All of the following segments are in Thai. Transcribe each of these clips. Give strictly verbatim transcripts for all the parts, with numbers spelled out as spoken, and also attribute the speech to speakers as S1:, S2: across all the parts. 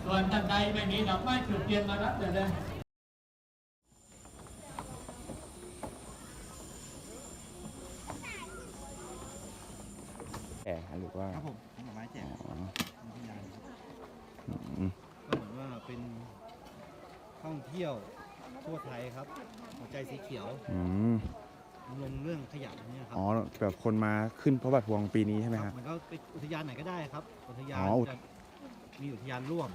S1: ส่วนท่านใดไม่มีดอกไม้จุดเทียนมารับเลยเลย
S2: แจกหรือว่า
S3: ครับผมผลไม้แจก
S2: อ๋อ
S3: พิยาครับ
S2: อืม
S3: ก็เหมือนว่าเป็นท่องเที่ยวทั่วไทยครับ หัวใจสีเขียว
S2: อืม
S3: ลงเรื่องขยะเนี่ยครั
S2: อ๋อแบบคนมาขึ้นพระบาทพวงปีนี้ใช่ไหม
S3: ค
S2: ค
S3: รั
S2: รั
S3: บบ มันก็เป็นอุทยานไหนก็ได้ครับ อุทยาน
S2: อ๋ออุท
S3: จะมีอุทยานร่วม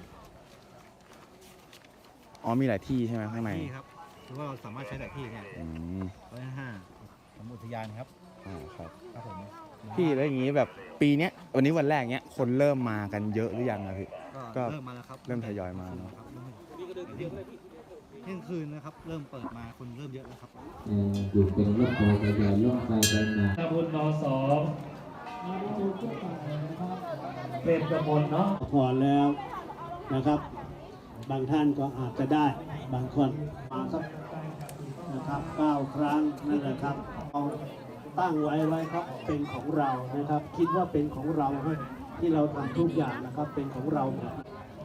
S2: อ๋อมีหลายที่ใช่ไหมข้างใน
S3: ที่ครับคือว่าเราสามารถใช้หลายที่เนี่ย
S2: อืม
S3: ร้อยห้าของอุทยานครับ
S2: อ่าครับ
S3: ครับผม
S2: พี่แล้วอย่างนี้แบบปีเนี้ยวันนี้วันแรกเนี้ยคนเริ่มมากันเยอะหรือยังอะพี่ ก็
S3: ก็เริ่มมาแล้วครับ
S2: เริ่มทยอยมาเนอะ
S3: ครับเที่ยงคืนนะครับ เริ่มเปิดมาคนเริ่มเยอะแล้วครับ
S4: อยู่เป็นรถไฟทะยานรถไฟไปมา
S1: ขบุญนสองเป็นกระมวลเนาะ
S5: พอแล้วนะครับ บางท่านก็อาจจะได้บางคนมาสักนะครับเก้าครั้งนั่นแหละครับเอาตั้งไว้ไว้ครับเป็นของเรานะครับ คิดว่าเป็นของเราที่เราทำทุกอย่างนะครับเป็นของเราหมด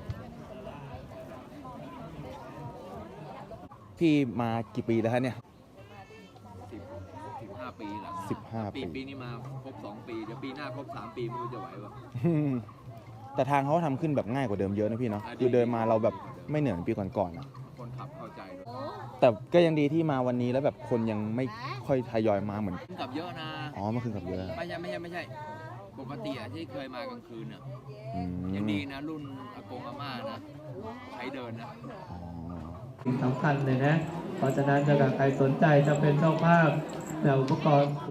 S2: พี่มากี่ปีแล้วฮะเนี่ย
S6: สิบสิบห้าปีหลัง
S2: สิบห้า
S6: ปี
S2: ปี
S6: ปีนี้มาครบสองปี เดี๋ยวปีหน้าครบสามปีไม่รู้จะไหวป่ะ
S2: แต่ทางเขาทำขึ้นแบบง่ายกว่าเดิมเยอะนะพี่เนาะ
S6: อ่าดี
S2: คือเดินมาเราแบบไม่เหนื่อยเหมือนปีก่อนๆนะ
S6: คนขับเข้าใจด้วย
S2: แต่ก็ยังดีที่มาวันนี้แล้วแบบคนยังไม่ค่อยทยอยมาเหมือน
S6: ขึ้นกับเยอะนะ
S2: อ๋อเมื่อคืนกับเยอะ
S6: ไม่ใช่ไม่ใช่ไม่ใช่ ปกติอะที่เคยมากลางคืนอะ
S2: อืม
S6: ยังดีนะ รุ่นอากงอาม่านะ ใช้เดินนะ
S2: อ๋อ
S1: สิ่งสำคัญเลยนะ เพราะฉะนั้นถ้าใครสนใจจะเป็นเจ้าภาพแต่อุปกรณ์